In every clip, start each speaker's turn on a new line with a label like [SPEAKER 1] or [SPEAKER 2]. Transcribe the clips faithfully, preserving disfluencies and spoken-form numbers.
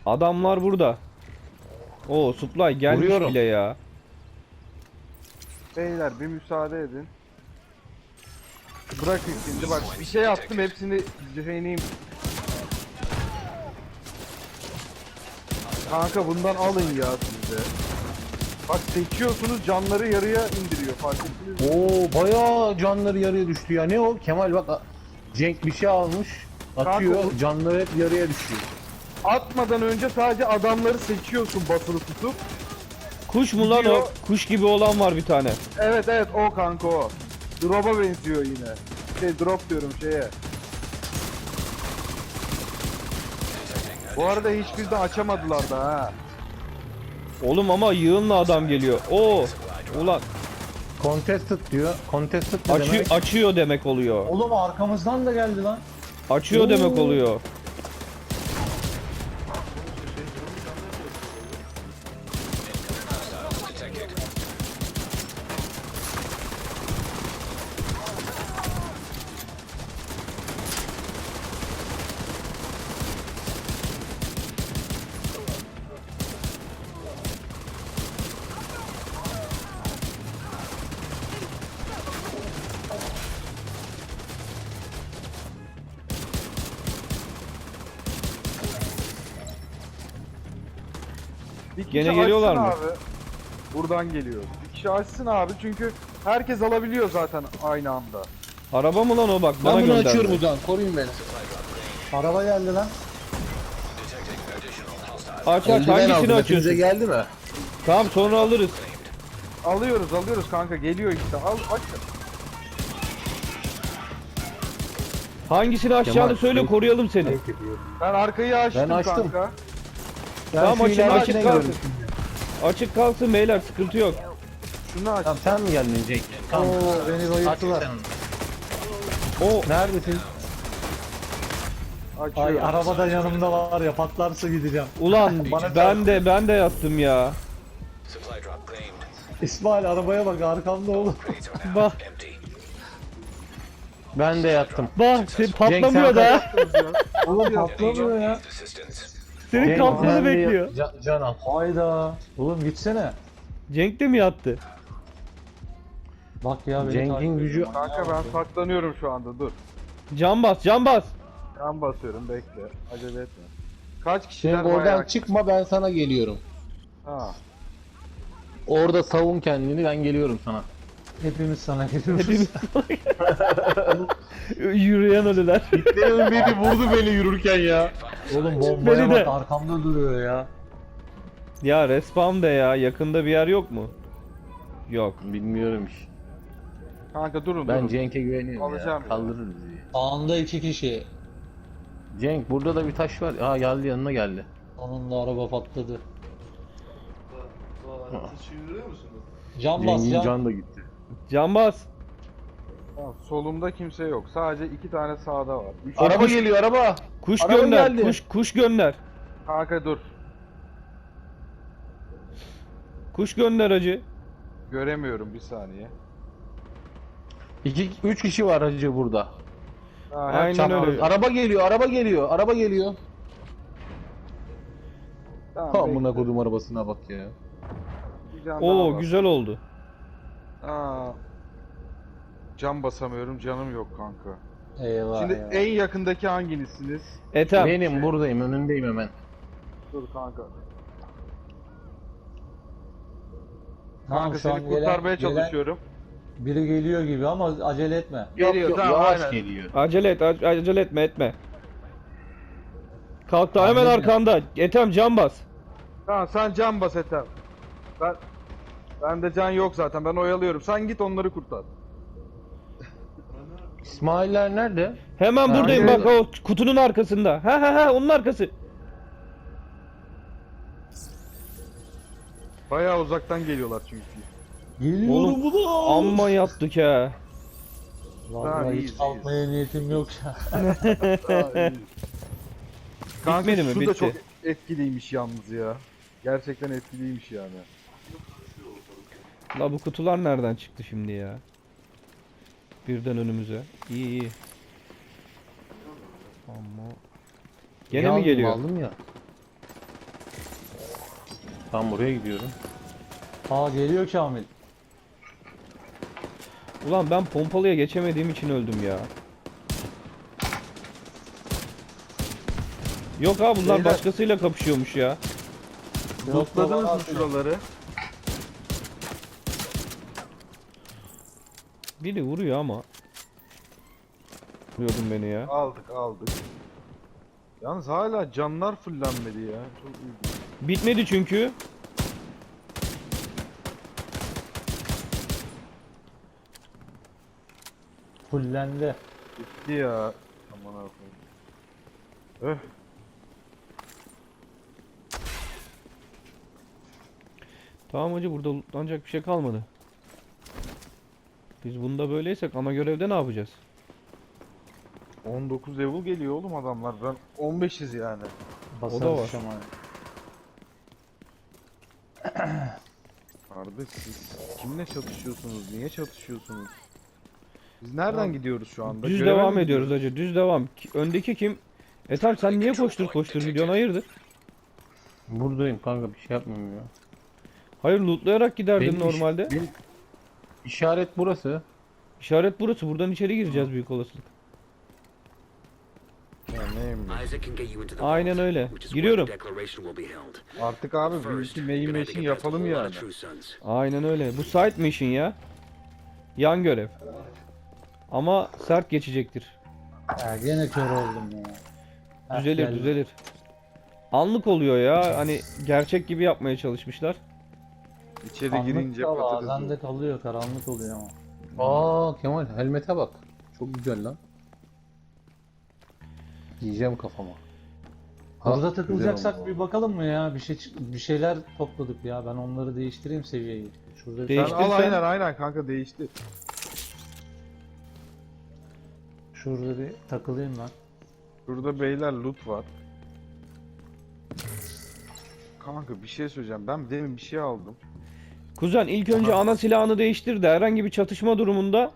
[SPEAKER 1] Adamlar burada. Oo, supply gelmiş
[SPEAKER 2] Vuruyorum.
[SPEAKER 1] bile ya.
[SPEAKER 3] Beyler bir müsaade edin. Bırakın şimdi bak bir şey attım hepsini ceheneyim. Kanka bundan alın ya siz de. Bak seçiyorsunuz canları yarıya indiriyor fark ettiniz mi?
[SPEAKER 2] Oo bayağı canları yarıya düştü ya. Ne o? Kemal bak Cenk bir şey almış. Atıyor.
[SPEAKER 3] Kanka, bu-
[SPEAKER 2] Canları hep yarıya düşüyor.
[SPEAKER 3] Atmadan önce sadece adamları seçiyorsun basılı tutup.
[SPEAKER 1] Kuş mu lan o?
[SPEAKER 3] Gidiyor.
[SPEAKER 1] Kuş gibi olan var bir tane.
[SPEAKER 3] Evet evet o kanka o. Drop'a benziyor yine. Şey drop diyorum şeye. Bu arada hiçbir de açamadılar da ha.
[SPEAKER 1] Oğlum ama yığınla adam geliyor. Oo. Ulan
[SPEAKER 2] Contested diyor. Contested ne
[SPEAKER 1] açı
[SPEAKER 2] demek?
[SPEAKER 1] açıyor demek oluyor.
[SPEAKER 2] Oğlum arkamızdan da geldi lan.
[SPEAKER 1] Açıyor
[SPEAKER 2] Oo.
[SPEAKER 1] demek oluyor.
[SPEAKER 3] Bir kişi
[SPEAKER 1] Gene geliyorlar
[SPEAKER 3] açsın
[SPEAKER 1] mı?
[SPEAKER 3] Abi. Buradan geliyor. Bir kişi açsın abi çünkü herkes alabiliyor zaten aynı anda.
[SPEAKER 1] Araba mı lan o, bak bana
[SPEAKER 2] Ben bunu
[SPEAKER 1] gönderdi.
[SPEAKER 2] açıyorum buradan. Koruyun beni. Araba geldi lan.
[SPEAKER 1] Aç aç, hangisini açıyorsun?
[SPEAKER 2] geldi mi?
[SPEAKER 1] Tamam, sonra alırız.
[SPEAKER 3] Alıyoruz alıyoruz kanka geliyor işte al aç.
[SPEAKER 1] Hangisini açacağını
[SPEAKER 2] Kemal,
[SPEAKER 1] söyle,
[SPEAKER 2] şey-
[SPEAKER 1] koruyalım seni.
[SPEAKER 3] Ben arkayı açtım,
[SPEAKER 2] Ben açtım.
[SPEAKER 3] kanka.
[SPEAKER 1] Tamam,
[SPEAKER 2] şu
[SPEAKER 1] açın,
[SPEAKER 2] ileridekine
[SPEAKER 1] açın,
[SPEAKER 2] gidiyorum
[SPEAKER 1] kalsın.
[SPEAKER 2] şimdi.
[SPEAKER 1] Açık kalsın beyler, sıkıntı yok.
[SPEAKER 3] Şunu aç.
[SPEAKER 2] Tamam sen mi geldin Cenk? Tamam.
[SPEAKER 4] Oo beni bayılttılar.
[SPEAKER 1] O
[SPEAKER 2] Neredesin?
[SPEAKER 3] Açıyorum.
[SPEAKER 4] Ay arabada yanımda var ya, patlarsa gideceğim.
[SPEAKER 1] ulan
[SPEAKER 4] Bana
[SPEAKER 1] ben de ben de yattım ya.
[SPEAKER 4] İsmail arabaya bak, arkamda oğlum.
[SPEAKER 1] Bak
[SPEAKER 2] Ben de yattım.
[SPEAKER 1] bak, senin patlamıyor da.
[SPEAKER 4] Oğlum patlamıyor ya.
[SPEAKER 1] Senin
[SPEAKER 2] Cenk,
[SPEAKER 1] kalkmanı
[SPEAKER 2] ben de-
[SPEAKER 1] bekliyor.
[SPEAKER 2] Can, can al.
[SPEAKER 4] Hayda. Oğlum gitsene.
[SPEAKER 1] Cenk de mi yattı?
[SPEAKER 4] Bak ya beni
[SPEAKER 2] Cenk'in
[SPEAKER 4] takip ediyor.
[SPEAKER 2] gücü-
[SPEAKER 3] Kanka ben saklanıyorum şu anda dur.
[SPEAKER 1] Can bas, can bas.
[SPEAKER 3] Ben basıyorum bekle. Acele etme. Kaç kişiler
[SPEAKER 2] Cenk oradan
[SPEAKER 3] bayağı...
[SPEAKER 2] çıkma, ben sana geliyorum.
[SPEAKER 3] Ha.
[SPEAKER 2] Orada savun kendini, ben geliyorum sana.
[SPEAKER 4] Hepimiz sana geliyoruz.
[SPEAKER 1] Hepimiz yürüyen ölüler.
[SPEAKER 2] Benim biri vurdu beni yürürken ya.
[SPEAKER 4] Oğlum bombaya
[SPEAKER 1] Beni de.
[SPEAKER 4] bak, arkamda duruyor ya.
[SPEAKER 1] Ya respawn de ya, yakında bir yer yok mu? Yok.
[SPEAKER 2] Bilmiyorum iş.
[SPEAKER 3] Kanka durun
[SPEAKER 2] Ben
[SPEAKER 3] durun.
[SPEAKER 2] Cenk'e güveniyorum
[SPEAKER 3] Alacağım
[SPEAKER 2] ya.
[SPEAKER 3] ya.
[SPEAKER 2] Kaldırır bizi.
[SPEAKER 4] Sağında iki kişi.
[SPEAKER 2] Cenk burada da bir taş var. Aa geldi, yanına geldi.
[SPEAKER 4] Sonunda araba patladı. Can bas
[SPEAKER 2] Cenk'in
[SPEAKER 4] can.
[SPEAKER 2] can da gitti.
[SPEAKER 1] Can bas.
[SPEAKER 3] Tamam, solumda kimse yok. Sadece iki tane sağda var. Üç...
[SPEAKER 2] Araba geliyor, araba.
[SPEAKER 1] Kuş
[SPEAKER 2] Araba
[SPEAKER 1] gönder.
[SPEAKER 2] geldi.
[SPEAKER 1] Kuş kuş gönder.
[SPEAKER 3] Kanka dur.
[SPEAKER 1] Kuş gönder hacı.
[SPEAKER 3] Göremiyorum bir saniye.
[SPEAKER 2] İki, üç kişi var hacı burada.
[SPEAKER 3] Ha,
[SPEAKER 1] Aynen
[SPEAKER 3] çapraz-
[SPEAKER 1] öyle.
[SPEAKER 2] Araba geliyor, araba geliyor, araba geliyor.
[SPEAKER 3] Tamam,
[SPEAKER 2] Amına
[SPEAKER 3] bekle.
[SPEAKER 2] kodum arabasına bak ya.
[SPEAKER 3] Bir can daha
[SPEAKER 1] Oo,
[SPEAKER 3] var.
[SPEAKER 1] güzel oldu.
[SPEAKER 3] Aa. Cam basamıyorum, canım yok kanka.
[SPEAKER 4] Eyvah
[SPEAKER 3] Şimdi
[SPEAKER 4] eyvah.
[SPEAKER 3] en yakındaki hanginizsiniz?
[SPEAKER 1] Ethem.
[SPEAKER 2] Benim buradayım, önündeyim hemen.
[SPEAKER 3] Dur kanka.
[SPEAKER 4] Tamam,
[SPEAKER 3] Kanka
[SPEAKER 4] şu an
[SPEAKER 3] seni
[SPEAKER 4] gelen-
[SPEAKER 3] kurtarmaya
[SPEAKER 4] gelen
[SPEAKER 3] çalışıyorum.
[SPEAKER 4] Biri geliyor gibi ama acele etme.
[SPEAKER 3] Geliyor,
[SPEAKER 2] yok,
[SPEAKER 3] tamam,
[SPEAKER 2] yavaş
[SPEAKER 3] aynen.
[SPEAKER 2] geliyor.
[SPEAKER 1] Acele et, ac- acele etme, etme. Kalktı hemen
[SPEAKER 4] Anladım.
[SPEAKER 1] arkanda. Ethem, can bas.
[SPEAKER 3] Tamam sen can bas Ethem. Ben Bende can yok zaten. Ben oyalıyorum. Sen git onları kurtar.
[SPEAKER 2] İsmail'ler nerede?
[SPEAKER 1] Hemen
[SPEAKER 2] Ha,
[SPEAKER 1] buradayım
[SPEAKER 3] geliyor.
[SPEAKER 1] bak, o kutunun arkasında. Ha ha ha, onun arkası.
[SPEAKER 3] Bayağı uzaktan geliyorlar çünkü.
[SPEAKER 4] Geliyorum
[SPEAKER 1] Oğlum,
[SPEAKER 4] ulan.
[SPEAKER 1] amma yaptık ha.
[SPEAKER 4] Vallahi
[SPEAKER 3] Tamam,
[SPEAKER 4] hiç
[SPEAKER 3] iyiyiz,
[SPEAKER 4] kalkmaya niyetim yok ya.
[SPEAKER 3] Kanka
[SPEAKER 1] Bitmedi mi?
[SPEAKER 3] şu da
[SPEAKER 1] Bitti.
[SPEAKER 3] çok etkiliymiş yalnız ya. Gerçekten etkiliymiş yani.
[SPEAKER 1] La bu kutular nereden çıktı şimdi ya? Birden önümüze. İyi iyi. Ama gene mi
[SPEAKER 2] Yalnız
[SPEAKER 1] geliyor?
[SPEAKER 2] Aldım ya. Tam buraya gidiyorum.
[SPEAKER 4] Aa geliyor Kamil.
[SPEAKER 1] Ulan ben pompalıya geçemediğim için öldüm ya. Yok ha bunlar
[SPEAKER 3] Beyler-
[SPEAKER 1] başkasıyla kapışıyormuş ya.
[SPEAKER 3] Lootladınız mı şuraları?
[SPEAKER 1] Biri vuruyor ama. Vuruyordun beni ya.
[SPEAKER 3] Aldık aldık. Yalnız hala canlar fullenmedi ya. Çok ilginç.
[SPEAKER 1] Bitmedi çünkü.
[SPEAKER 4] Fullendi.
[SPEAKER 3] Bitti ya. Aman Allah'ım. Öh.
[SPEAKER 1] Tamam hacı burada lootlanacak bir şey kalmadı. Biz bunda böyleysek ana görevde ne yapacağız?
[SPEAKER 3] on dokuz level geliyor oğlum adamlar. Ben on beşiz yani.
[SPEAKER 4] Basarız
[SPEAKER 1] da var.
[SPEAKER 4] şamayı.
[SPEAKER 3] Kardeş siz kimle çatışıyorsunuz? Niye çatışıyorsunuz? Biz nereden gidiyoruz şu anda?
[SPEAKER 1] Düz
[SPEAKER 3] Göreve
[SPEAKER 1] devam
[SPEAKER 3] mi
[SPEAKER 1] ediyoruz
[SPEAKER 3] gidiyoruz?
[SPEAKER 1] hacı. Düz devam. Ki- Öndeki kim? E tamam sen niye koştur koştur gidiyorsun hayırdır?
[SPEAKER 2] Buradayım kanka, bir şey yapmıyorum ya.
[SPEAKER 1] Hayır lootlayarak giderdin
[SPEAKER 2] Benim iş-
[SPEAKER 1] normalde.
[SPEAKER 2] benim işaret burası.
[SPEAKER 1] İşaret burası. Buradan içeri gireceğiz büyük olasılık.
[SPEAKER 3] Ya neyim ben?
[SPEAKER 5] Isaac can get you into the
[SPEAKER 1] Aynen
[SPEAKER 5] vault,
[SPEAKER 1] öyle.
[SPEAKER 5] which is where
[SPEAKER 1] Giriyorum.
[SPEAKER 5] the declaration will be held.
[SPEAKER 3] Artık abi bir
[SPEAKER 5] First,
[SPEAKER 3] iki
[SPEAKER 5] you're
[SPEAKER 3] main
[SPEAKER 5] gonna have to
[SPEAKER 3] machine
[SPEAKER 5] get past a
[SPEAKER 3] yapalım
[SPEAKER 5] whole lot
[SPEAKER 3] yani.
[SPEAKER 5] of True Sons.
[SPEAKER 1] Aynen öyle. Bu side mission ya. Yan görev. Ama sert geçecektir.
[SPEAKER 4] Ya gene kör oldum ya. Heh,
[SPEAKER 1] Düzelir
[SPEAKER 4] geldi.
[SPEAKER 1] düzelir. Anlık oluyor ya. Hani gerçek gibi yapmaya çalışmışlar.
[SPEAKER 3] İçeri
[SPEAKER 4] Anlık
[SPEAKER 3] girince
[SPEAKER 4] da
[SPEAKER 3] patates
[SPEAKER 4] bazen
[SPEAKER 3] olur.
[SPEAKER 4] de kalıyor, karanlık oluyor ama.
[SPEAKER 2] Aa Kemal, helmete bak. Çok güzel lan. Giyeceğim kafama. Ha,
[SPEAKER 4] Burada
[SPEAKER 2] güzel
[SPEAKER 4] takılacaksak
[SPEAKER 2] oldu.
[SPEAKER 4] bir bakalım mı ya? Bir şey çık- bir şeyler topladık ya. Ben onları değiştireyim seviyeyi. Şurada bir-
[SPEAKER 3] Sen
[SPEAKER 1] Değiştirsen-
[SPEAKER 3] al aynen aynen kanka değişti.
[SPEAKER 4] şurada bir takılayım ben.
[SPEAKER 3] Burada beyler loot var. Kanka bir şey söyleyeceğim. Ben demin bir şey aldım.
[SPEAKER 1] Kuzen ilk önce ana silahını değiştir de herhangi bir çatışma durumunda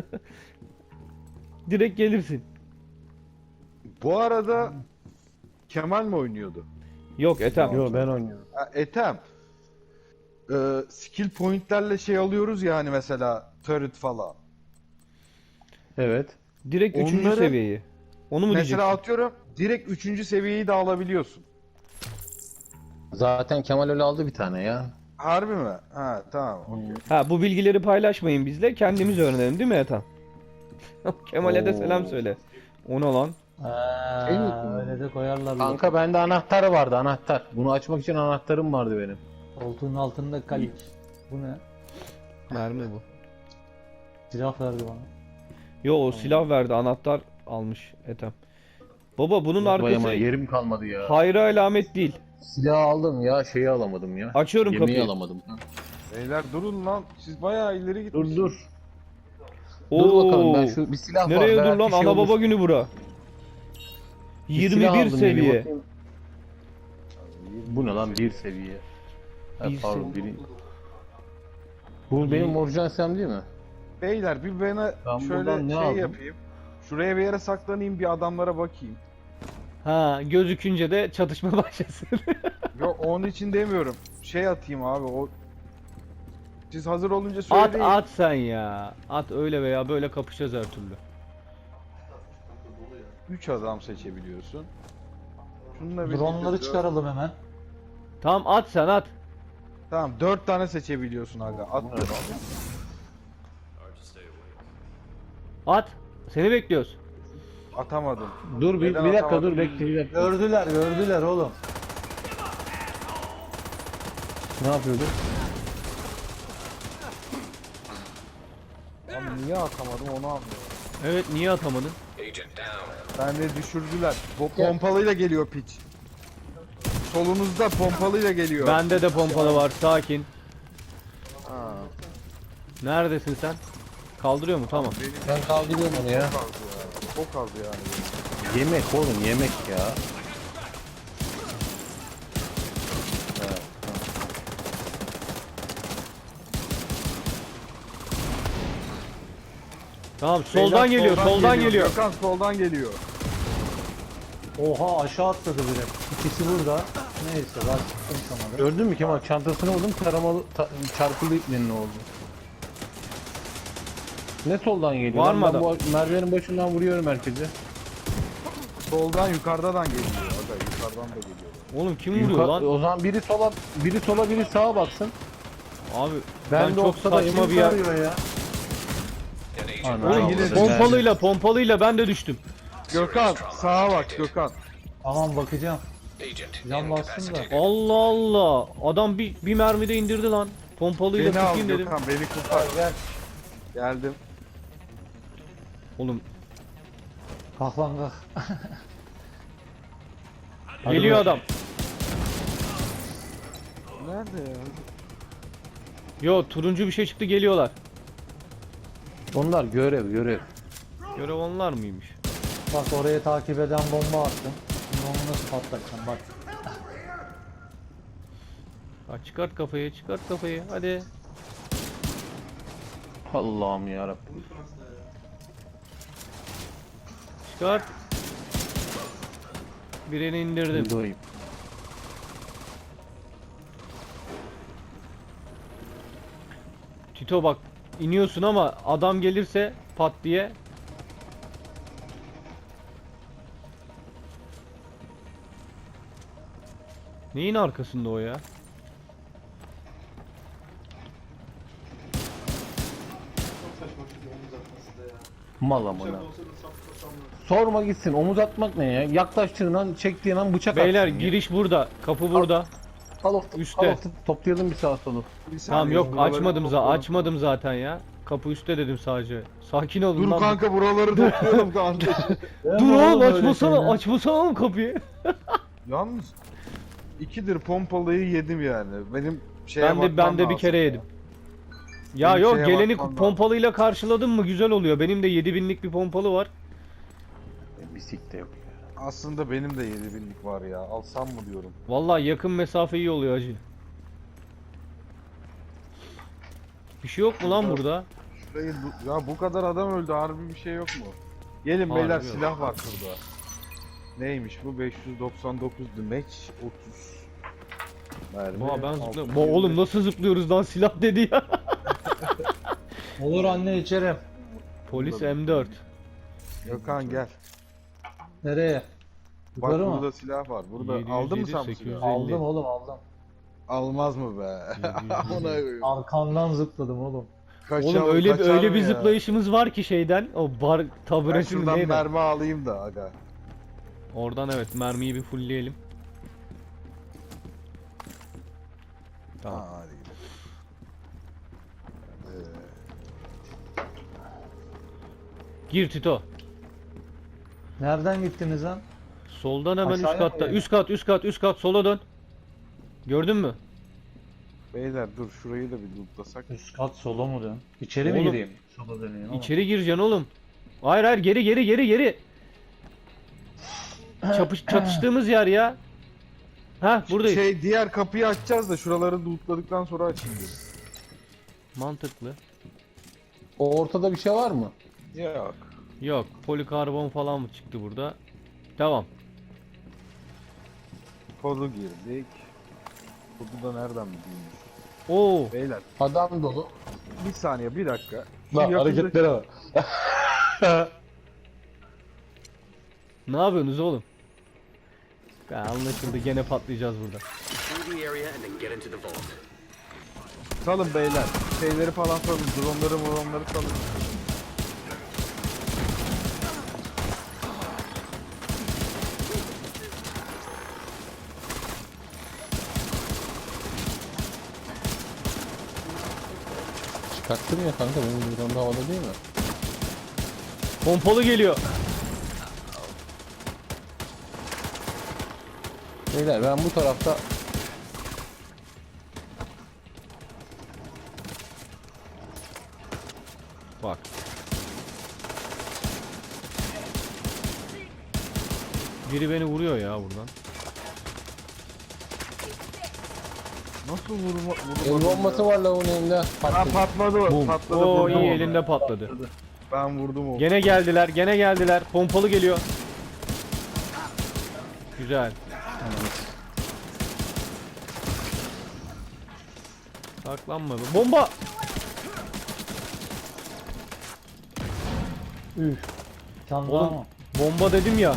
[SPEAKER 1] direkt gelirsin.
[SPEAKER 3] Bu arada Kemal mi oynuyordu?
[SPEAKER 1] Yok Ethem.
[SPEAKER 2] Yo, ben oynuyorum.
[SPEAKER 3] Ha, Ethem. Ee, skill pointlerle şey alıyoruz ya hani mesela turret falan.
[SPEAKER 2] Evet.
[SPEAKER 1] Direkt üçüncü
[SPEAKER 3] Onları-
[SPEAKER 1] seviyeyi. Onu mu
[SPEAKER 3] Mesela
[SPEAKER 1] diyeceksin?
[SPEAKER 3] atıyorum direkt üçüncü seviyeyi de alabiliyorsun.
[SPEAKER 2] Zaten Kemal öyle aldı bir tane ya.
[SPEAKER 3] Harbi mi? Ha tamam. okey.
[SPEAKER 1] Ha bu bilgileri paylaşmayın bizle. Kendimiz öğrenelim değil mi Ethem? Kemal'e de
[SPEAKER 2] Oo.
[SPEAKER 1] selam söyle. O ne lan?
[SPEAKER 4] Ee,
[SPEAKER 2] Şey mi?
[SPEAKER 4] öyle de koyarlar.
[SPEAKER 2] Kanka bende anahtar vardı, anahtar. Bunu açmak için anahtarım vardı benim.
[SPEAKER 4] Koltuğun altında kalik. Bu ne?
[SPEAKER 1] Mermi bu.
[SPEAKER 4] Silah verdi bana.
[SPEAKER 1] Yo o silah verdi anahtar almış Ethem. Baba bunun
[SPEAKER 2] Vay
[SPEAKER 1] arkası
[SPEAKER 2] ama yerim kalmadı ya.
[SPEAKER 1] hayra alamet değil.
[SPEAKER 2] Silah aldım ya, şeyi alamadım ya.
[SPEAKER 1] Açıyorum
[SPEAKER 2] Yemeği
[SPEAKER 1] kapıyı.
[SPEAKER 2] alamadım.
[SPEAKER 3] Beyler durun lan. Siz bayağı ileri gitmişsiniz.
[SPEAKER 2] Dur dur. Dur bakalım, ben
[SPEAKER 1] Oo.
[SPEAKER 2] şu bir silah var.
[SPEAKER 1] Nereye dur
[SPEAKER 2] belki
[SPEAKER 1] lan
[SPEAKER 2] şey
[SPEAKER 1] ana
[SPEAKER 2] olur.
[SPEAKER 1] baba günü bura.
[SPEAKER 2] Bir silah
[SPEAKER 1] yirmi bir
[SPEAKER 2] aldım yeni,
[SPEAKER 1] seviye.
[SPEAKER 2] bakayım. Bu ne lan, bir seviye. Ha,
[SPEAKER 1] Bir
[SPEAKER 2] pardon,
[SPEAKER 1] seviye.
[SPEAKER 2] biri. Bu benim orijinal silahım değil mi?
[SPEAKER 3] Beyler bir bana
[SPEAKER 2] Ben
[SPEAKER 3] şöyle
[SPEAKER 2] buradan ne
[SPEAKER 3] şey
[SPEAKER 2] aldım?
[SPEAKER 3] yapayım. Şuraya bir yere saklanayım bir adamlara bakayım.
[SPEAKER 1] Ha gözükünce de çatışma başlasın.
[SPEAKER 3] Yok onun için demiyorum. Şey atayım abi o. Siz hazır olunca
[SPEAKER 1] at
[SPEAKER 3] söyleyin.
[SPEAKER 1] at sen ya. At öyle veya böyle kapışacağız her türlü.
[SPEAKER 3] üç adam seçebiliyorsun. Şununla birlikte
[SPEAKER 4] Dronları
[SPEAKER 3] dört-
[SPEAKER 4] çıkaralım hemen.
[SPEAKER 1] Tamam at sen at.
[SPEAKER 3] Tamam dört tane seçebiliyorsun aga. Attım.
[SPEAKER 1] At. Seni bekliyoruz.
[SPEAKER 3] Atamadım.
[SPEAKER 2] Dur bir,
[SPEAKER 3] Neden
[SPEAKER 2] bir dakika
[SPEAKER 3] atamadım
[SPEAKER 2] dur, bekle bir dakika.
[SPEAKER 4] Gördüler, gördüler oğlum.
[SPEAKER 2] Ne yapıyordun?
[SPEAKER 3] Lan niye atamadım onu anlıyorum.
[SPEAKER 1] Evet niye atamadın?
[SPEAKER 3] Ben de düşürdüler. Bu pompalıyla geliyor piç. Solunuzda pompalıyla geliyor.
[SPEAKER 1] Bende de pompalı var sakin.
[SPEAKER 3] Ha,
[SPEAKER 1] Neredesin sen? Kaldırıyor mu? Tamam.
[SPEAKER 3] benim
[SPEAKER 2] Ben kaldırıyorum onu ya.
[SPEAKER 3] çok az ya. Çok az yani. benim.
[SPEAKER 2] Yemek oğlum, yemek ya.
[SPEAKER 1] Tamam soldan
[SPEAKER 3] Beyler,
[SPEAKER 1] geliyor, soldan geliyor.
[SPEAKER 3] Gökhan soldan geliyor.
[SPEAKER 4] Oha aşağı atladı biri. İkisi burada. Neyse ben çıktım sana da.
[SPEAKER 2] Gördün mü Kemal? Çantasını vurdum. Taramalı ta, çarpılı iplerin oldu. Ne soldan geliyor?
[SPEAKER 1] Var
[SPEAKER 2] Lan
[SPEAKER 1] mı
[SPEAKER 2] ben
[SPEAKER 1] adam?
[SPEAKER 2] bu merdivenin başından vuruyorum herkese.
[SPEAKER 3] Soldan yukarıdan geliyor. Aga yukarıdan da geliyor.
[SPEAKER 1] Oğlum kim vuruyor
[SPEAKER 2] Yuka-
[SPEAKER 1] lan?
[SPEAKER 2] O zaman biri sola, biri sola, biri sağa baksın.
[SPEAKER 1] Abi
[SPEAKER 2] Ben,
[SPEAKER 1] ben,
[SPEAKER 2] de
[SPEAKER 1] çok
[SPEAKER 2] ortada
[SPEAKER 1] saçma
[SPEAKER 2] kim
[SPEAKER 1] bir yer.
[SPEAKER 2] tarıyor ya. Ana,
[SPEAKER 1] Oğlum
[SPEAKER 3] yine
[SPEAKER 2] Allah'ım.
[SPEAKER 1] pompalıyla pompalıyla ben de düştüm.
[SPEAKER 3] Gökhan sağa bak Gökhan.
[SPEAKER 4] Tamam bakacağım.
[SPEAKER 5] Agent,
[SPEAKER 4] Can
[SPEAKER 5] in
[SPEAKER 4] bastım da.
[SPEAKER 5] incapacitated.
[SPEAKER 1] Allah Allah. Adam bir, bir mermide indirdi lan. Pompalıyla
[SPEAKER 3] Beni al
[SPEAKER 1] tutayım dedim.
[SPEAKER 3] Gökhan beni kurtar.
[SPEAKER 4] Gel.
[SPEAKER 3] Geldim.
[SPEAKER 1] Oğlum
[SPEAKER 4] Kalk lan kalk.
[SPEAKER 1] geliyor adam.
[SPEAKER 3] Nerede ya?
[SPEAKER 1] Yo turuncu bir şey çıktı geliyorlar.
[SPEAKER 2] Onlar görev, görev.
[SPEAKER 1] Görev onlar mıymış?
[SPEAKER 4] Bak oraya takip eden bomba attım. Şimdi onu nasıl patlatacağım bak.
[SPEAKER 1] Ha, çıkart kafayı çıkart kafayı hadi.
[SPEAKER 2] Allah'ım yarabbim.
[SPEAKER 1] Çıkart. Birini indirdim.
[SPEAKER 2] Doyayım.
[SPEAKER 1] Tito bak iniyorsun ama adam gelirse pat diye. Neyin arkasında o ya?
[SPEAKER 2] Mal amına. Sorma gitsin. Omuz atmak ne ya? Yaklaştığın an, çektiğin an bıçak
[SPEAKER 1] Beyler
[SPEAKER 2] atsın ya.
[SPEAKER 1] giriş burada. Kapı burada.
[SPEAKER 2] Al of,
[SPEAKER 1] üstte.
[SPEAKER 2] al of, toplayalım bir sağa solu.
[SPEAKER 3] Bir
[SPEAKER 1] Tamam
[SPEAKER 3] saniye,
[SPEAKER 1] yok
[SPEAKER 3] buraları
[SPEAKER 1] açmadım za
[SPEAKER 3] toplayalım.
[SPEAKER 1] açmadım zaten ya. Kapı üstte dedim sadece. Sakin olun
[SPEAKER 3] Dur
[SPEAKER 1] lan.
[SPEAKER 3] kanka buraları toplayalım kardeşim.
[SPEAKER 1] Dur oğlum açmasana açmasana oğlum kapıyı.
[SPEAKER 3] Yalnız ikidir pompalıyı yedim yani. Benim şeye
[SPEAKER 1] Ben de ben
[SPEAKER 3] bakmam
[SPEAKER 1] de bir
[SPEAKER 3] lazım.
[SPEAKER 1] kere yedim. Ya
[SPEAKER 3] Benim
[SPEAKER 1] yok
[SPEAKER 3] şeye
[SPEAKER 1] geleni
[SPEAKER 3] bakmam lazım.
[SPEAKER 1] pompalıyla karşıladın mı güzel oluyor. Benim de yedi binlik bir pompalı var.
[SPEAKER 2] Bir sik de yok ya.
[SPEAKER 3] Aslında benim de yedi binlik var ya. Alsam mı diyorum.
[SPEAKER 1] Vallahi yakın mesafe iyi oluyor hacı. Bir şey yok mu lan burada?
[SPEAKER 3] Şurayı bu- ya bu kadar adam öldü harbi bir şey yok mu? Gelin
[SPEAKER 1] Harbi
[SPEAKER 3] beyler
[SPEAKER 1] yok.
[SPEAKER 3] silah var şurada. Neymiş bu? beş yüz doksan dokuz demeç otuz. Mermi.
[SPEAKER 1] Aa ben
[SPEAKER 3] altı
[SPEAKER 1] zıplıyorum.
[SPEAKER 3] yüz
[SPEAKER 1] Ba-
[SPEAKER 3] yirmi.
[SPEAKER 1] Oğlum nasıl zıplıyoruz lan silah dedi ya.
[SPEAKER 4] Olur anne içerim.
[SPEAKER 1] Polis M dört.
[SPEAKER 3] Gökhan gel.
[SPEAKER 4] Nereye?
[SPEAKER 3] Bak
[SPEAKER 4] Yukarı
[SPEAKER 3] burada
[SPEAKER 4] mı?
[SPEAKER 3] silah var. Burada
[SPEAKER 1] yedi yüz
[SPEAKER 3] aldın mı
[SPEAKER 1] yedi,
[SPEAKER 3] sen bu
[SPEAKER 1] sekiz yüz
[SPEAKER 3] silahı?
[SPEAKER 1] elli.
[SPEAKER 4] Aldım oğlum aldım.
[SPEAKER 3] Almaz mı be? Ona koyayım.
[SPEAKER 4] Arkandan zıpladım oğlum.
[SPEAKER 3] Kaçar-
[SPEAKER 1] Oğlum öyle
[SPEAKER 3] kaçar
[SPEAKER 1] öyle
[SPEAKER 3] mı
[SPEAKER 1] bir
[SPEAKER 3] ya?
[SPEAKER 1] zıplayışımız var ki şeyden. O bar
[SPEAKER 3] Ben
[SPEAKER 1] taburetin
[SPEAKER 3] şuradan
[SPEAKER 1] neydi?
[SPEAKER 3] mermi alayım da aga.
[SPEAKER 1] Oradan evet mermiyi bir fullleyelim. Tamam.
[SPEAKER 3] Ha, hadi gidelim.
[SPEAKER 1] Gir Tito.
[SPEAKER 4] Nereden gittiniz lan?
[SPEAKER 1] Soldan hemen üst
[SPEAKER 4] Aşağıya mı
[SPEAKER 1] katta.
[SPEAKER 4] yani?
[SPEAKER 1] Üst kat, üst kat, üst kat. Sola dön. Gördün mü?
[SPEAKER 3] Beyler dur şurayı da bir lootlasak.
[SPEAKER 4] Üst kat sola mı dön? İçeri mi
[SPEAKER 1] Oğlum,
[SPEAKER 4] gireyim? Sola döneyim ama.
[SPEAKER 1] İçeri gireceksin oğlum. Hayır hayır geri geri geri geri. Çapış, çatıştığımız yer ya. Ha buradayız.
[SPEAKER 3] Şey diğer kapıyı açacağız da şuraları lootladıktan sonra açayım dedim.
[SPEAKER 1] Mantıklı.
[SPEAKER 2] O ortada bir şey var mı?
[SPEAKER 3] Yok.
[SPEAKER 1] Yok polikarbon falan mı çıktı burada? Tamam.
[SPEAKER 3] Kodu girdik. Kodu da nereden bilmiyorum.
[SPEAKER 1] Oo.
[SPEAKER 3] Beyler
[SPEAKER 2] Adam dolu.
[SPEAKER 3] bir saniye bir dakika. Şu
[SPEAKER 2] Lan
[SPEAKER 3] yakında-
[SPEAKER 2] hareketlere bak.
[SPEAKER 1] Ne yapıyorsunuz oğlum? Ya anlaşıldı gene patlayacağız burada.
[SPEAKER 5] Through the area and then get into the vault.
[SPEAKER 3] Salın beyler. Şeyleri falan salın. Dronları dronları salın.
[SPEAKER 2] Çıkarttım ya kanka, benim buradan da havada değil mi?
[SPEAKER 1] Pompalı geliyor.
[SPEAKER 2] Beyler ben bu tarafta
[SPEAKER 1] Bak. Biri beni vuruyor ya buradan.
[SPEAKER 3] Nasıl vurma?
[SPEAKER 2] el
[SPEAKER 3] vurma
[SPEAKER 2] bombası var lavun elinde.
[SPEAKER 3] Ha
[SPEAKER 2] Patladı.
[SPEAKER 3] patladı.
[SPEAKER 2] Bum.
[SPEAKER 3] Patladı.
[SPEAKER 1] Oo
[SPEAKER 3] vurdum
[SPEAKER 1] iyi
[SPEAKER 3] onu.
[SPEAKER 1] elinde patladı.
[SPEAKER 3] Ben vurdum onu.
[SPEAKER 1] Gene geldiler, gene geldiler. Pompalı geliyor. Güzel. Saklanma be. Bomba!
[SPEAKER 4] Üf. Can daha
[SPEAKER 1] Oğlum
[SPEAKER 4] mı?
[SPEAKER 1] bomba dedim ya.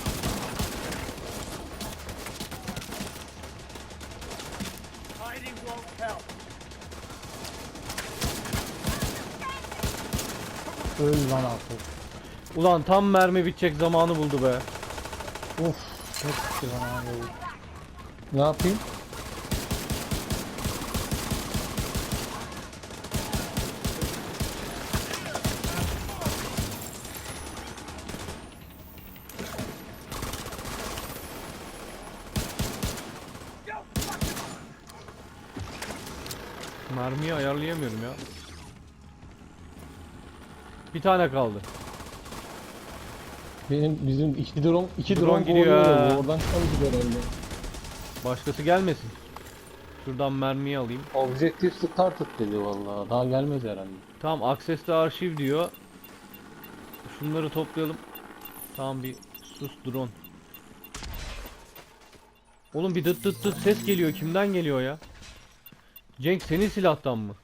[SPEAKER 4] Öl lan artık.
[SPEAKER 1] Ulan tam mermi bitecek zamanı buldu be.
[SPEAKER 4] Of. Hepsi bana abi.
[SPEAKER 2] Ne yapayım?
[SPEAKER 1] Mermiyi ayarlayamıyorum ya. Bir tane kaldı.
[SPEAKER 2] Benim bizim iki drone iki
[SPEAKER 1] Drone
[SPEAKER 2] drone
[SPEAKER 1] gidiyor
[SPEAKER 2] kovalıyor
[SPEAKER 1] ha.
[SPEAKER 2] ya, oradan çıkamayacak herhalde.
[SPEAKER 1] Başkası gelmesin. Şuradan mermiyi alayım.
[SPEAKER 2] Objective started dedi vallahi. Daha gelmez herhalde.
[SPEAKER 1] Tamam, access'te arşiv diyor. Şunları toplayalım. Tamam, bir sus drone. Oğlum bir dıt dıt dıt ses geliyor. Kimden geliyor ya? Cenk, senin silahtan mı?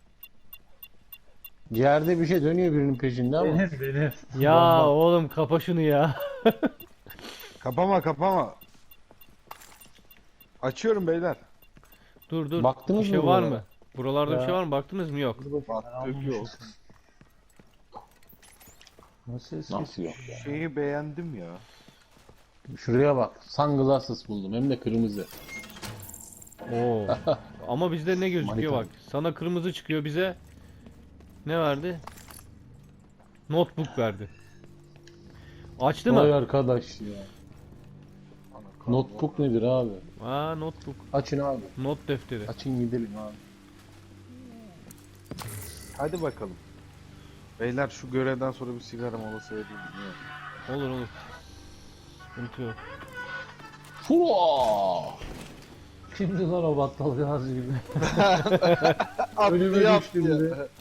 [SPEAKER 2] Yerde bir şey dönüyor birinin peşinde ama.
[SPEAKER 4] Benim benim.
[SPEAKER 1] Ya
[SPEAKER 4] Bomba.
[SPEAKER 1] oğlum kapa şunu ya.
[SPEAKER 3] Kapama kapama. Açıyorum beyler.
[SPEAKER 1] Dur dur.
[SPEAKER 2] Baktınız
[SPEAKER 1] bir şey
[SPEAKER 2] mı
[SPEAKER 1] var
[SPEAKER 2] buralara?
[SPEAKER 1] mı? Buralarda bir
[SPEAKER 4] Ya.
[SPEAKER 1] şey var mı? Baktınız mı? Yok.
[SPEAKER 3] Baktık yok.
[SPEAKER 4] Nasıl ses
[SPEAKER 2] Nasıl yok?
[SPEAKER 3] Şeyi beğendim ya.
[SPEAKER 2] Şuraya bak. Sunglasses buldum hem de kırmızı.
[SPEAKER 1] Oo. Ama bizde ne gözüküyor
[SPEAKER 2] Manita.
[SPEAKER 1] bak. Sana kırmızı çıkıyor, bize ne verdi? Notebook verdi. Açtı
[SPEAKER 2] Vay
[SPEAKER 1] mı?
[SPEAKER 2] arkadaş ya. Notebook nedir abi?
[SPEAKER 1] Aa, notebook.
[SPEAKER 2] Açın abi.
[SPEAKER 1] Not defteri.
[SPEAKER 2] Açın gidelim abi.
[SPEAKER 3] Hadi bakalım. Beyler şu görevden sonra bir sigara molası vereyim. mi?
[SPEAKER 1] Olur olur. Sıkıntı yok.
[SPEAKER 2] Fua!
[SPEAKER 4] Kimdi lan o battal gaz gibi?
[SPEAKER 3] Attı
[SPEAKER 4] Önüme
[SPEAKER 3] yaptı
[SPEAKER 4] düştü bir
[SPEAKER 3] ya.
[SPEAKER 4] de.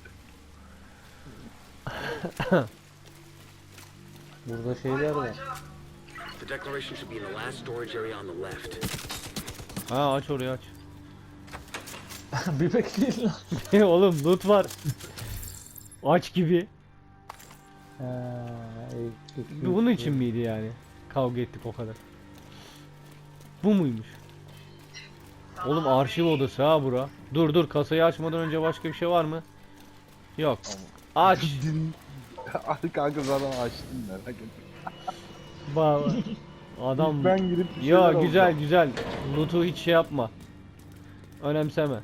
[SPEAKER 4] Burada şeyler var.
[SPEAKER 5] The declaration should be in the last storage area on the left.
[SPEAKER 1] Ha, aç orayı aç.
[SPEAKER 4] Bir bekleyin lan.
[SPEAKER 1] Oğlum loot var. Aç gibi.
[SPEAKER 4] Ee,
[SPEAKER 1] Bunun için miydi yani? Kavga ettik o kadar. Bu muymuş? Oğlum arşiv odası ha bura. Dur dur, kasayı açmadan önce başka bir şey var mı? Yok. Aç.
[SPEAKER 3] Ay kanka zaten açtım merak etme.
[SPEAKER 1] Bak. Adam.
[SPEAKER 3] Ben girip bir
[SPEAKER 1] Ya
[SPEAKER 3] şeyler
[SPEAKER 1] güzel
[SPEAKER 3] alacağım.
[SPEAKER 1] güzel. Loot'u hiç şey yapma. Önemseme.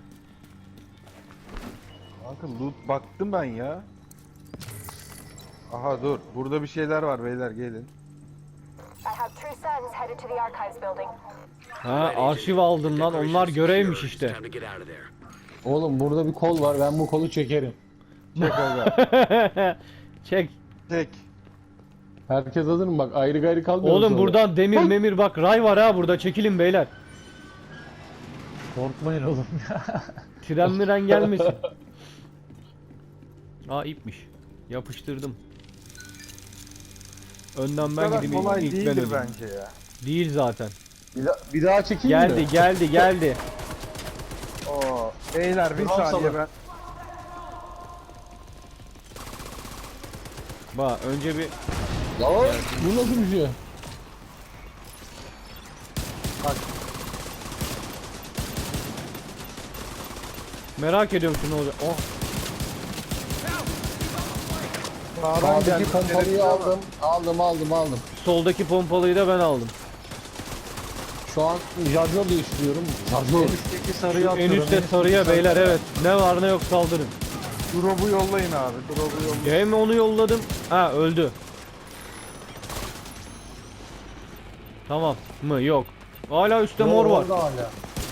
[SPEAKER 3] Kanka loot baktım ben ya. Aha dur. Burada bir şeyler var beyler gelin.
[SPEAKER 6] I have true sons headed to the archives building.
[SPEAKER 1] Ha, arşiv aldın lan.
[SPEAKER 5] Declaration
[SPEAKER 1] Onlar
[SPEAKER 5] is
[SPEAKER 1] görevmiş
[SPEAKER 5] secure.
[SPEAKER 1] işte.
[SPEAKER 5] It's time to get out of there.
[SPEAKER 2] Oğlum burada bir kol var. Ben bu kolu çekerim.
[SPEAKER 3] Çek aga.
[SPEAKER 1] Çek.
[SPEAKER 3] Çek.
[SPEAKER 2] Herkes hazır mı? Bak ayrı gayrı kalmıyoruz.
[SPEAKER 1] Oğlum
[SPEAKER 2] orada.
[SPEAKER 1] buradan demir memir bak, ray var ha burada, çekilin beyler.
[SPEAKER 4] Korkmayın oğlum ya.
[SPEAKER 1] Tren miren gelmesin. Aa, ipmiş. Yapıştırdım. Önden
[SPEAKER 3] Bu
[SPEAKER 1] ben
[SPEAKER 3] kadar
[SPEAKER 1] gideyim,
[SPEAKER 3] kolay
[SPEAKER 1] ilk ben
[SPEAKER 3] değildir
[SPEAKER 1] öleyim.
[SPEAKER 3] bence ya.
[SPEAKER 1] Değil zaten.
[SPEAKER 2] Bir, da- bir daha çekeyim
[SPEAKER 1] Geldi
[SPEAKER 2] mi?
[SPEAKER 1] geldi geldi.
[SPEAKER 3] Oo. Beyler bir
[SPEAKER 2] Drone
[SPEAKER 3] saniye
[SPEAKER 2] salın.
[SPEAKER 3] ben.
[SPEAKER 1] Bak önce bir
[SPEAKER 2] Ya bu nasıl bir şey?
[SPEAKER 1] merak ediyorum şu ne olacak. Oh,
[SPEAKER 3] Sağdan
[SPEAKER 2] Sağdaki
[SPEAKER 3] geldi.
[SPEAKER 2] pompalıyı aldım. Aldım aldım aldım.
[SPEAKER 1] soldaki pompalıyı da ben aldım.
[SPEAKER 2] Şu an şarjör değiştiriyorum. Şarjör.
[SPEAKER 4] Üstteki sarıyı
[SPEAKER 1] Şu en
[SPEAKER 4] atıyorum.
[SPEAKER 1] üstte sarıya beyler, evet. Ne var ne yok saldırın.
[SPEAKER 3] Drop'u yollayın abi. Drop'u yollayın.
[SPEAKER 1] Hem onu yolladım. Ha, öldü. Tamam mı? Yok. Hala üstte mor var.
[SPEAKER 4] Orada hala.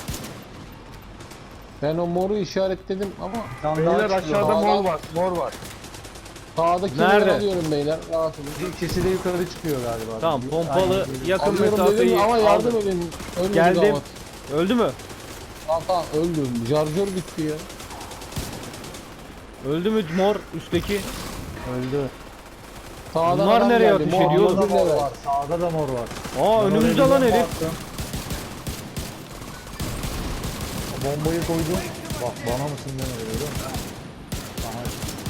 [SPEAKER 2] Ben o moru işaretledim ama
[SPEAKER 4] Can
[SPEAKER 3] Beyler
[SPEAKER 4] daha çıkıyor.
[SPEAKER 3] aşağıda
[SPEAKER 2] Sağdan-
[SPEAKER 3] mor var. Mor var.
[SPEAKER 2] sağdakileri
[SPEAKER 1] Nerede?
[SPEAKER 2] alıyorum beyler. Rahat olun.
[SPEAKER 4] İkisi de yukarı çıkıyor galiba.
[SPEAKER 1] Tamam,
[SPEAKER 4] Bir-
[SPEAKER 1] pompalı
[SPEAKER 4] Aynen.
[SPEAKER 1] yakın
[SPEAKER 2] Alıyorum
[SPEAKER 1] mesafeyi
[SPEAKER 2] dedim ama yardım
[SPEAKER 1] aldım.
[SPEAKER 2] edin. Ölmedi
[SPEAKER 1] Geldim.
[SPEAKER 2] damat.
[SPEAKER 1] Öldü mü?
[SPEAKER 2] Tamam tamam öldüm. Şarjör bitti ya.
[SPEAKER 1] Öldü mü mor üstteki?
[SPEAKER 4] Öldü.
[SPEAKER 2] Sağdan
[SPEAKER 1] Bunlar
[SPEAKER 2] adam
[SPEAKER 1] nereye
[SPEAKER 2] geldi.
[SPEAKER 1] ateş
[SPEAKER 2] Mor
[SPEAKER 1] ediyor?
[SPEAKER 2] bir
[SPEAKER 4] Sağda mor
[SPEAKER 2] level.
[SPEAKER 4] var. Sağda da mor var.
[SPEAKER 1] Aa,
[SPEAKER 4] Ben
[SPEAKER 1] önümüzde
[SPEAKER 4] oraya
[SPEAKER 1] lan
[SPEAKER 4] bir bomba
[SPEAKER 1] herif.
[SPEAKER 4] attım. Bombayı koydum. Bak bana mısın deme öyle. Bana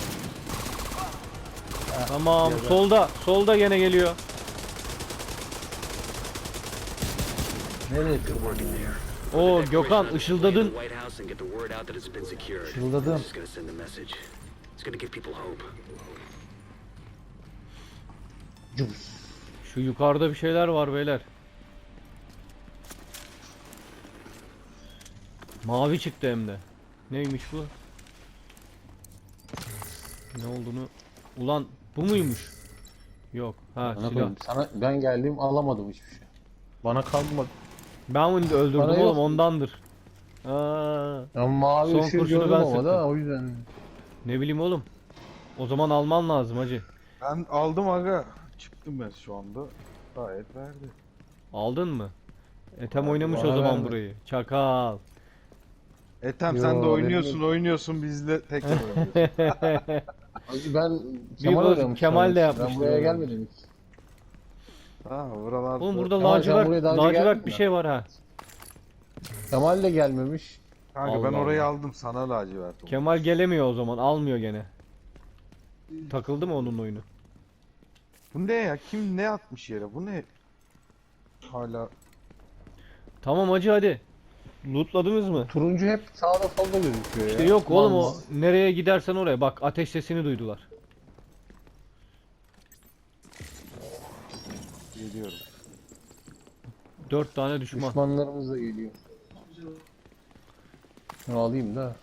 [SPEAKER 1] Tamam
[SPEAKER 4] ya da-
[SPEAKER 1] solda solda gene geliyor.
[SPEAKER 4] nereye tırmanıyor?
[SPEAKER 1] Oo
[SPEAKER 5] Declaration
[SPEAKER 1] Gökhan
[SPEAKER 5] on display in
[SPEAKER 1] ışıldadın.
[SPEAKER 5] the White House and get the word out that it's been secured.
[SPEAKER 4] Işıldadım.
[SPEAKER 5] It's just gonna send a message. It's gonna give people hope.
[SPEAKER 4] Cus.
[SPEAKER 1] Şu yukarıda bir şeyler var beyler. Mavi çıktı hem de. Neymiş bu? Ne olduğunu... Ulan bu muymuş? Yok. Ha
[SPEAKER 2] Bana
[SPEAKER 1] silah.
[SPEAKER 2] koyayım, sana ben geldim alamadım hiçbir şey. Bana kalmadı.
[SPEAKER 1] Ben onu öldürdüm
[SPEAKER 2] Bana
[SPEAKER 1] oğlum
[SPEAKER 2] yok.
[SPEAKER 1] ondandır. Aa,
[SPEAKER 2] Ya mavi
[SPEAKER 1] Son
[SPEAKER 2] ışığı
[SPEAKER 1] kurşunu
[SPEAKER 2] gördüm
[SPEAKER 1] ben
[SPEAKER 2] ama
[SPEAKER 1] sıktım.
[SPEAKER 2] da o yüzden.
[SPEAKER 1] ne bileyim oğlum. O zaman alman lazım hacı.
[SPEAKER 3] Ben aldım aga. Çıktım ben şu anda. Gayet verdi.
[SPEAKER 1] Aldın mı? Etem
[SPEAKER 3] Abi,
[SPEAKER 1] oynamış o
[SPEAKER 2] bana
[SPEAKER 1] zaman
[SPEAKER 2] verme.
[SPEAKER 1] burayı. Çakal.
[SPEAKER 3] Etem
[SPEAKER 2] Yo,
[SPEAKER 3] sen de
[SPEAKER 2] benim
[SPEAKER 3] oynuyorsun
[SPEAKER 2] yok.
[SPEAKER 3] oynuyorsun bizle tekrar oynuyorsun.
[SPEAKER 2] Ben
[SPEAKER 1] Bir
[SPEAKER 2] Kemal
[SPEAKER 1] boz-
[SPEAKER 2] oynamış.
[SPEAKER 1] Kemal de
[SPEAKER 2] sanmıştım.
[SPEAKER 1] yapmıştır
[SPEAKER 2] Ben buraya
[SPEAKER 1] onu.
[SPEAKER 2] gelmedim hiç.
[SPEAKER 3] Ha buralarda.
[SPEAKER 1] Oğlum burada
[SPEAKER 2] Kemal, sen
[SPEAKER 1] lacivert,
[SPEAKER 2] buraya daha önce geldin
[SPEAKER 1] lacivert bir
[SPEAKER 2] mi?
[SPEAKER 1] şey var ha.
[SPEAKER 2] Kemal de gelmemiş.
[SPEAKER 3] Kanka ben
[SPEAKER 1] Allah
[SPEAKER 3] orayı
[SPEAKER 1] Allah.
[SPEAKER 3] aldım sana lacivert oldu.
[SPEAKER 1] Kemal gelemiyor o zaman. Almıyor gene. Takıldı mı onun oyunu?
[SPEAKER 3] Bu ne ya? Kim ne atmış yere? Bu ne? Hala
[SPEAKER 1] Tamam hacı hadi. Lootladınız mı?
[SPEAKER 2] Turuncu hep sağda solda gözüküyor
[SPEAKER 1] İşte
[SPEAKER 2] ya.
[SPEAKER 1] yok oğlum o
[SPEAKER 2] Mal-
[SPEAKER 1] nereye gidersen oraya. Bak ateş sesini duydular.
[SPEAKER 3] geliyorum.
[SPEAKER 1] Dört tane düşman.
[SPEAKER 2] Düşmanlarımız da geliyor. Şunu alayım da.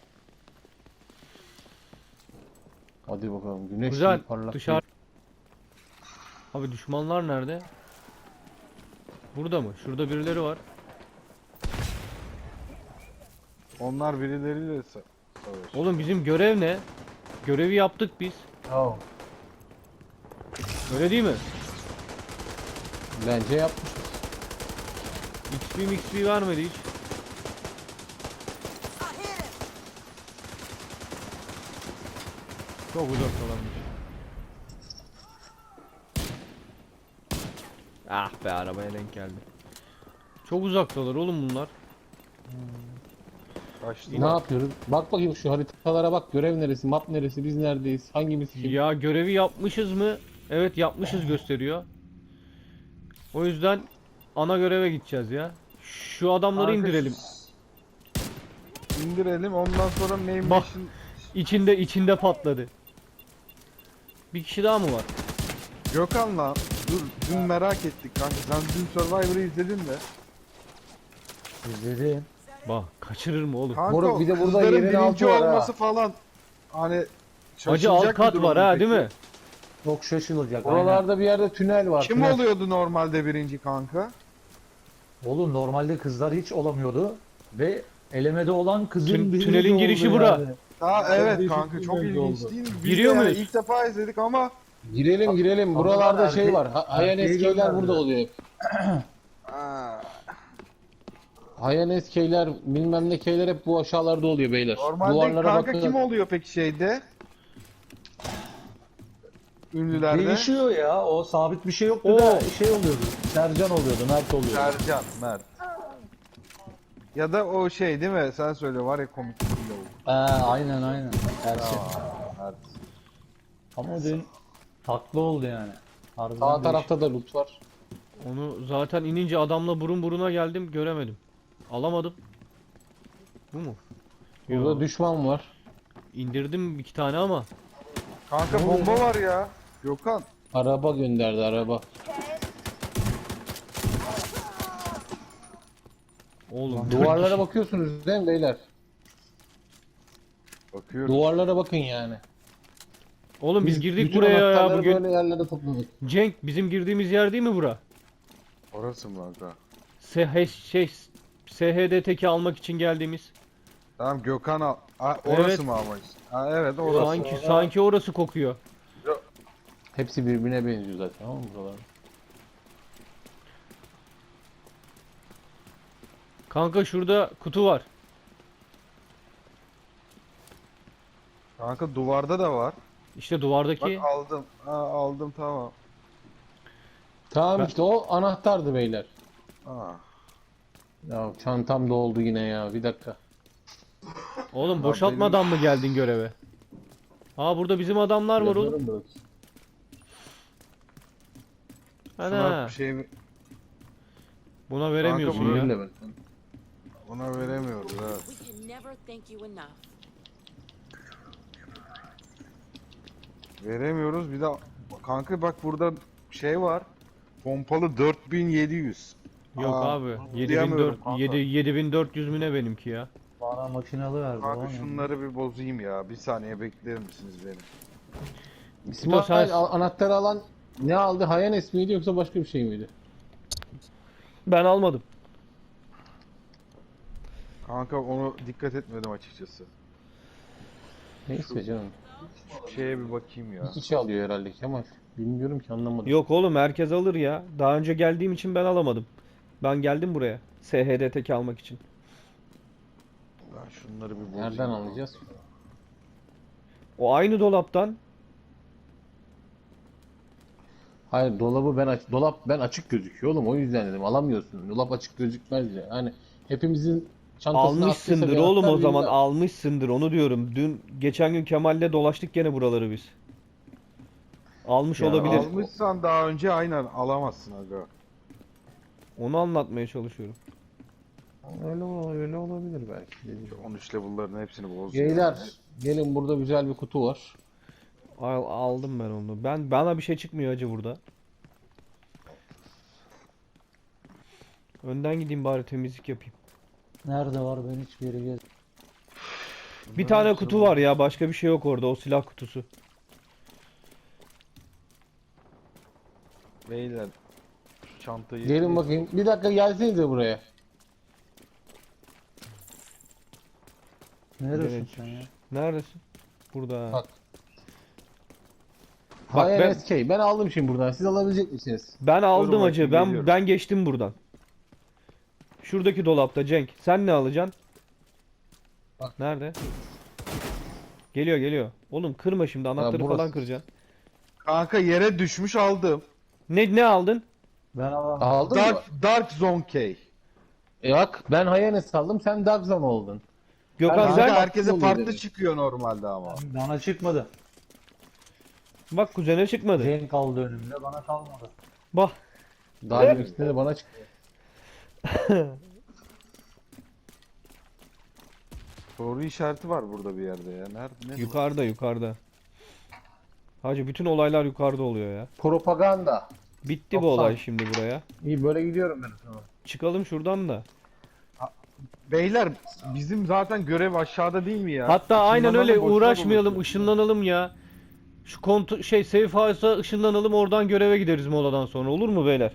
[SPEAKER 2] Hadi bakalım güneş
[SPEAKER 1] Güzel.
[SPEAKER 2] gibi parlak.
[SPEAKER 1] Dışarı. Abi düşmanlar nerede? Burada mı? Şurada birileri var.
[SPEAKER 3] Onlar birileriyle sa- savaşıyor.
[SPEAKER 1] Oğlum bizim görev ne? Görevi yaptık biz.
[SPEAKER 2] Tamam.
[SPEAKER 1] Öyle değil mi?
[SPEAKER 2] Bence yapmış.
[SPEAKER 1] X P X P vermedi hiç. Çok uzaktalarmış. Ah be arabaya denk geldi. Çok uzaktalar oğlum bunlar.
[SPEAKER 3] Kaçtı.
[SPEAKER 2] Ne yapıyoruz? Bak bakayım şu haritalara bak. Görev neresi, map neresi, biz neredeyiz, hangimiz kim?
[SPEAKER 1] Ya görevi yapmışız mı? Evet yapmışız gösteriyor. O yüzden ana göreve gideceğiz ya. Şu adamları
[SPEAKER 3] Kanka,
[SPEAKER 1] indirelim.
[SPEAKER 3] İndirelim ondan sonra name
[SPEAKER 1] Bak.
[SPEAKER 3] mission-
[SPEAKER 1] İçinde içinde patladı. Bir kişi daha mı var?
[SPEAKER 3] Gökhan'la dur dün merak ettik kanka. Sen dün Survivor'ı izledin mi?
[SPEAKER 4] İzledim.
[SPEAKER 1] Bak kaçırır mı oğlum?
[SPEAKER 3] Kanka
[SPEAKER 2] Moruk, bir de burada
[SPEAKER 3] kızların
[SPEAKER 2] yerin
[SPEAKER 3] birinci
[SPEAKER 2] altı var ha.
[SPEAKER 3] olması falan. Hani
[SPEAKER 1] Hacı
[SPEAKER 3] şaşılacak
[SPEAKER 1] alt
[SPEAKER 3] bir
[SPEAKER 1] kat
[SPEAKER 3] durum
[SPEAKER 1] var ha
[SPEAKER 3] peki.
[SPEAKER 1] değil mi?
[SPEAKER 4] Çok şaşılacak. aynen.
[SPEAKER 2] Oralarda bir yerde tünel var.
[SPEAKER 3] Kim
[SPEAKER 2] tünel.
[SPEAKER 3] oluyordu normalde birinci kanka?
[SPEAKER 4] Oğlum normalde kızlar hiç olamıyordu. Ve elemede olan kızın
[SPEAKER 1] Tün-
[SPEAKER 4] birinci
[SPEAKER 1] tünelin
[SPEAKER 4] oldu
[SPEAKER 1] girişi
[SPEAKER 4] yani.
[SPEAKER 1] bura.
[SPEAKER 3] Ha evet
[SPEAKER 4] değişik
[SPEAKER 3] kanka
[SPEAKER 4] bir
[SPEAKER 3] çok
[SPEAKER 4] bölge
[SPEAKER 3] ilginç
[SPEAKER 4] oldu.
[SPEAKER 3] değil mi? Biz
[SPEAKER 1] Giriyor
[SPEAKER 3] de yani
[SPEAKER 1] muyuz?
[SPEAKER 3] İlk defa izledik ama
[SPEAKER 2] Girelim girelim. Buralarda
[SPEAKER 4] erkek-
[SPEAKER 2] şey var. Ha- Hayanet
[SPEAKER 4] erkeği
[SPEAKER 2] keyler
[SPEAKER 4] gönderdiler.
[SPEAKER 2] burada oluyor hep.
[SPEAKER 3] Aa,
[SPEAKER 2] Hayanet keyler, bilmem ne keyler hep bu aşağılarda oluyor beyler.
[SPEAKER 3] normalde
[SPEAKER 2] Duvarlara
[SPEAKER 3] kanka
[SPEAKER 2] bakın.
[SPEAKER 3] kim oluyor peki şeyde? Ünlülerde.
[SPEAKER 4] Değişiyor ya. O sabit bir şey yoktu
[SPEAKER 1] Oo.
[SPEAKER 4] da şey oluyordu. Sercan oluyordu, Mert oluyordu.
[SPEAKER 3] Sercan, Mert. Ya da o şey değil mi? Sen söyle var ya komik bir lavuk.
[SPEAKER 4] Ee, aynen aynen. Ersin.
[SPEAKER 3] Mert.
[SPEAKER 4] Ama dün haklı oldu yani. Harbiden
[SPEAKER 2] Sağ
[SPEAKER 4] değişik.
[SPEAKER 2] tarafta da loot var.
[SPEAKER 1] Onu zaten inince adamla burun buruna geldim göremedim. Alamadım. Bu mu?
[SPEAKER 2] Burada
[SPEAKER 1] Yo,
[SPEAKER 2] düşman var.
[SPEAKER 1] indirdim iki tane ama.
[SPEAKER 3] Kanka bomba var ya. Gökhan.
[SPEAKER 2] Araba gönderdi araba.
[SPEAKER 1] Oğlum
[SPEAKER 2] Duvarlara bakıyorsunuz değil mi beyler?
[SPEAKER 3] Bakıyorum.
[SPEAKER 2] Duvarlara bakın yani.
[SPEAKER 1] Oğlum biz girdik
[SPEAKER 2] bütün
[SPEAKER 1] buraya ya
[SPEAKER 2] anahtarları
[SPEAKER 1] bugün.
[SPEAKER 2] böyle yerlere topladık.
[SPEAKER 1] Cenk bizim girdiğimiz yer değil mi bura?
[SPEAKER 3] Orası mı kanka?
[SPEAKER 1] S H şey S H D teki almak için geldiğimiz.
[SPEAKER 3] Tamam Gökhan al. Aa, orası
[SPEAKER 1] Evet.
[SPEAKER 3] mı ama işte? Ha, evet orası.
[SPEAKER 1] Sanki sanki orası kokuyor.
[SPEAKER 2] Hepsi birbirine benziyor zaten tamam mı buralar?
[SPEAKER 1] Kanka şurada kutu var.
[SPEAKER 3] Kanka duvarda da var.
[SPEAKER 1] İşte duvardaki.
[SPEAKER 3] Bak aldım. Ha, aldım tamam.
[SPEAKER 2] Tamam
[SPEAKER 1] Ben-
[SPEAKER 2] işte o anahtardı beyler.
[SPEAKER 3] Ha.
[SPEAKER 2] Ya çantam doldu yine ya bir dakika.
[SPEAKER 1] Oğlum boşaltmadan mı geldin göreve? Aa burada bizim adamlar var oğlum.
[SPEAKER 2] Yazıyorum da bak.
[SPEAKER 3] Şuna
[SPEAKER 1] Ana.
[SPEAKER 3] bir şey
[SPEAKER 1] Buna veremiyorsun
[SPEAKER 3] Kanka,
[SPEAKER 1] ya.
[SPEAKER 2] Öyle bak.
[SPEAKER 3] Buna veremiyoruz ha.
[SPEAKER 7] We can never thank you enough.
[SPEAKER 3] Veremiyoruz. Bir de kanka bak burada şey var. Pompalı dört bin yedi yüz.
[SPEAKER 1] Yok
[SPEAKER 3] Aa,
[SPEAKER 1] abi.
[SPEAKER 3] diyemiyorum kanka.
[SPEAKER 1] yedi bin dört yüz mü ne benimki ya?
[SPEAKER 4] Bana makinalı verdi.
[SPEAKER 3] Kanka
[SPEAKER 4] lan.
[SPEAKER 3] şunları bir bozayım ya. Bir saniye bekler misiniz beni?
[SPEAKER 2] İsmail
[SPEAKER 1] sen-
[SPEAKER 2] al- anahtarı alan ne aldı? Hayanes miydi yoksa başka bir şey miydi?
[SPEAKER 1] Ben almadım.
[SPEAKER 3] Kanka onu dikkat etmedim açıkçası.
[SPEAKER 2] Neyse canım.
[SPEAKER 3] Şeye bir bakayım ya.
[SPEAKER 2] İki kişi alıyor herhalde Kemal. Bilmiyorum ki anlamadım.
[SPEAKER 1] Yok oğlum herkes alır ya. Daha önce geldiğim için ben alamadım. Ben geldim buraya. S H D tek almak için.
[SPEAKER 3] Ben şunları bir bozayım.
[SPEAKER 2] Nereden alacağız?
[SPEAKER 1] O aynı dolaptan.
[SPEAKER 2] Hayır dolabı ben aç dolap ben açık gözüküyor oğlum o yüzden dedim alamıyorsun. Dolap açık gözükmez ya. Hani hepimizin çantasına
[SPEAKER 1] Almışsındır
[SPEAKER 2] attıysa bir
[SPEAKER 1] oğlum o
[SPEAKER 2] anahtar
[SPEAKER 1] zaman
[SPEAKER 2] birinde-
[SPEAKER 1] almışsındır onu diyorum. Dün geçen gün Kemal'le dolaştık gene buraları biz. Almış
[SPEAKER 2] Ya
[SPEAKER 1] olabilir.
[SPEAKER 3] Almışsan daha önce aynen alamazsın aga.
[SPEAKER 1] Onu anlatmaya çalışıyorum.
[SPEAKER 2] Öyle, ol- öyle olabilir belki. dediğim gibi.
[SPEAKER 3] on üç level'ların hepsini boz.
[SPEAKER 2] Beyler gelin burada güzel bir kutu var.
[SPEAKER 1] Al, aldım ben onu. Ben bana bir şey çıkmıyor acı burada. Önden gideyim bari temizlik yapayım.
[SPEAKER 4] Nerede var ben hiçbir yere gez.
[SPEAKER 1] Bir tane kutu var ya başka bir şey yok orada o silah kutusu.
[SPEAKER 3] Beyler şu çantayı
[SPEAKER 2] Gelin bakayım. Bir dakika gelsenize buraya.
[SPEAKER 4] Neredesin
[SPEAKER 1] Evet.
[SPEAKER 4] sen ya?
[SPEAKER 1] Neredesin? Burada.
[SPEAKER 2] Bak.
[SPEAKER 1] Bak
[SPEAKER 2] Hayır
[SPEAKER 1] ben-
[SPEAKER 2] S K. Ben aldım şimdi buradan. Siz alabilecek misiniz?
[SPEAKER 1] Ben aldım
[SPEAKER 3] bakayım,
[SPEAKER 1] acı. Ben
[SPEAKER 3] geliyorum.
[SPEAKER 1] ben geçtim buradan. Şuradaki dolapta Cenk. Sen ne alacaksın?
[SPEAKER 2] Bak.
[SPEAKER 1] Nerede? Geliyor geliyor. Oğlum kırma şimdi anahtarı
[SPEAKER 2] burası.
[SPEAKER 1] falan kıracaksın.
[SPEAKER 3] Kanka yere düşmüş aldım.
[SPEAKER 1] Ne ne aldın?
[SPEAKER 4] Ben alamam.
[SPEAKER 2] Aldın mı?
[SPEAKER 3] Dark, Dark Zone K.
[SPEAKER 2] E bak ben Hayanes aldım. Sen Dark Zone oldun.
[SPEAKER 1] Gökhan
[SPEAKER 2] Ben-
[SPEAKER 3] Kanka
[SPEAKER 1] sen
[SPEAKER 3] herkese
[SPEAKER 2] oluyor
[SPEAKER 3] farklı
[SPEAKER 2] dedim.
[SPEAKER 3] çıkıyor normalde ama.
[SPEAKER 4] Bana çıkmadı.
[SPEAKER 1] bak kuzene çıkmadı.
[SPEAKER 4] Cenk kaldı önümde bana kalmadı.
[SPEAKER 1] Bak
[SPEAKER 2] Daha öncesinde de bana çıktı.
[SPEAKER 3] Soru işareti var burada bir yerde ya. Nerede? Ne?
[SPEAKER 1] yukarıda yukarıda. Hacı bütün olaylar yukarıda oluyor ya.
[SPEAKER 2] Propaganda.
[SPEAKER 1] Bitti bu
[SPEAKER 2] doksan.
[SPEAKER 1] olay şimdi buraya.
[SPEAKER 2] İyi böyle gidiyorum ben. Tamam.
[SPEAKER 1] Çıkalım şuradan da.
[SPEAKER 3] Beyler bizim zaten görev aşağıda değil mi ya?
[SPEAKER 1] Hatta aynen
[SPEAKER 3] Işınlanalım,
[SPEAKER 1] öyle
[SPEAKER 3] boşuna
[SPEAKER 1] uğraşmayalım,
[SPEAKER 3] dolaşıyoruz.
[SPEAKER 1] ışınlanalım ya. Şu kont şey safe house'a ışınlanalım oradan göreve gideriz moladan sonra olur mu beyler?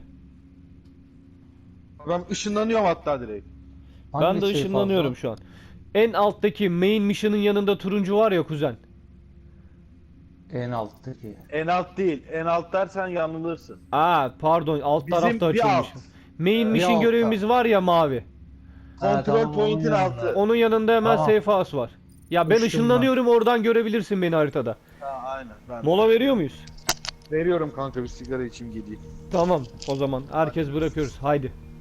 [SPEAKER 3] Ben ışınlanıyorum hatta direkt.
[SPEAKER 1] Ben
[SPEAKER 4] Hangi
[SPEAKER 1] de
[SPEAKER 4] şey
[SPEAKER 1] ışınlanıyorum
[SPEAKER 4] fazla?
[SPEAKER 1] şu an. En alttaki main mission'ın yanında turuncu var ya kuzen.
[SPEAKER 4] En alttaki.
[SPEAKER 8] En alt değil. En alt dersen yanılırsın.
[SPEAKER 1] Aa pardon alt
[SPEAKER 8] Bizim
[SPEAKER 1] tarafta
[SPEAKER 8] bir
[SPEAKER 1] açılmış.
[SPEAKER 8] alt.
[SPEAKER 1] Main
[SPEAKER 4] Bir
[SPEAKER 1] mission
[SPEAKER 4] altta.
[SPEAKER 1] görevimiz var ya mavi.
[SPEAKER 4] Ha,
[SPEAKER 8] Kontrol
[SPEAKER 4] tamam,
[SPEAKER 8] point'in
[SPEAKER 4] onun
[SPEAKER 8] altı.
[SPEAKER 4] yanında.
[SPEAKER 1] Onun yanında hemen
[SPEAKER 4] Tamam.
[SPEAKER 1] safe house var. Ya ben
[SPEAKER 4] Işınlan.
[SPEAKER 1] ışınlanıyorum oradan görebilirsin beni haritada.
[SPEAKER 8] Ha, aynen. Ben
[SPEAKER 1] Mola veriyor muyuz?
[SPEAKER 3] Veriyorum kanka bir sigara içeyim geleyim.
[SPEAKER 1] Tamam o zaman herkes bırakıyoruz haydi.